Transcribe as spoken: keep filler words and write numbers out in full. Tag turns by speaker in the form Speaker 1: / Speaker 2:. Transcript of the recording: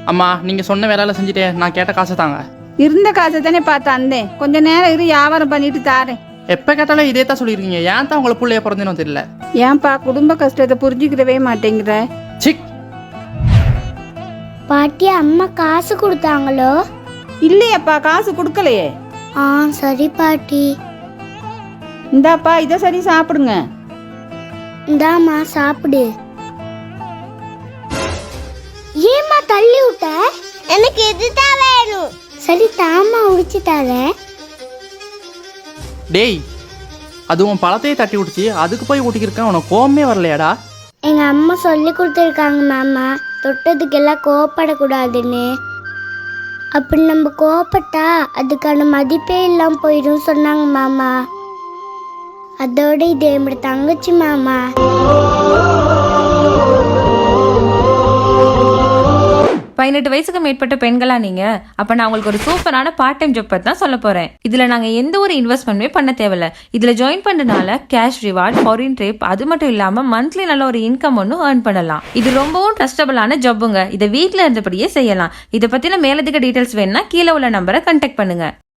Speaker 1: அம்மா நீங்கள் சொன்ன வேலையில செஞ்சுட்டே நான் கேட்ட காசை தாங்க.
Speaker 2: இருந்த காசை தானே பார்த்து அந்தேன். கொஞ்ச நேரம் இரு, வியாபாரம் பண்ணிட்டு தாரேன்.
Speaker 1: எப்போ கேட்டாலும் இதே தான் சொல்லியிருக்கீங்க. ஏன் தான் உங்களை பிள்ளைய பிறந்தேன்னு தெரியல.
Speaker 2: ஏன்பா குடும்ப கஷ்டத்தை புரிஞ்சுக்கிடவே மாட்டேங்கிற?
Speaker 1: சிக்
Speaker 3: பாட்டி, அம்மா காசு கொடுத்தாங்களோ?
Speaker 2: இல்லையப்பா, காசு கொடுக்கலையே.
Speaker 3: ஆ சரி பாட்டி.
Speaker 2: இந்தாப்பா, இதை சரி சாப்பிடுங்க.
Speaker 3: இந்தாம்மா சாப்பிடு. ஏம்மா தள்ளி விட்ட? எனக்கு இதுதான் வேணும். சரி தாம்மா உடிச்சு தரேன்.
Speaker 1: டேய், அதுவும் பழத்தையே தட்டி விட்டுச்சு, அதுக்கு போய் ஊட்டிக்கிருக்கேன். உனக்கு கோவமே வரலையாடா?
Speaker 3: எங்க அம்மா சொல்லி கொடுத்துருக்காங்க மாமா, தொட்டதுக்கெல்லாம் கோவப்படக்கூடாதுன்னு. அப்படி நம்ம கோவப்பட்டா அதுக்கான மதிப்பே இல்லாம போயிடும் சொன்னாங்க மாமா. அதோட இது என்னோட தங்கச்சி மாமா.
Speaker 4: பதினெட்டு வயசுக்கு மேற்பட்ட பெண்களா நீங்க? அப்ப நான் உங்களுக்கு ஒரு சூப்பரான பார்ட் டைம் ஜாப் பத்தி தான் சொல்ல போறேன். இதுல நாங்க எந்த ஒரு இன்வெஸ்ட்மெண்ட்டுமே பண்ண தேவையில்ல. இதுல ஜாயின் பண்றதுனால கேஷ் ரிவார்ட், ஃபாரின் ட்ரிப், அது மட்டும் இல்லாம மந்த்லி நல்ல ஒரு இன்கம் ஒன்னும் ஏர்ன் பண்ணலாம். இது ரொம்பவும் ட்ரஸ்டபிளான ஜாப்புங்க. இதை வீட்டுல இருந்தபடியே செய்யலாம். இதை பத்தின மேலதிக டீடைல்ஸ் வேணும்னா கீழே உள்ள நம்பரை கான்டாக்ட் பண்ணுங்க.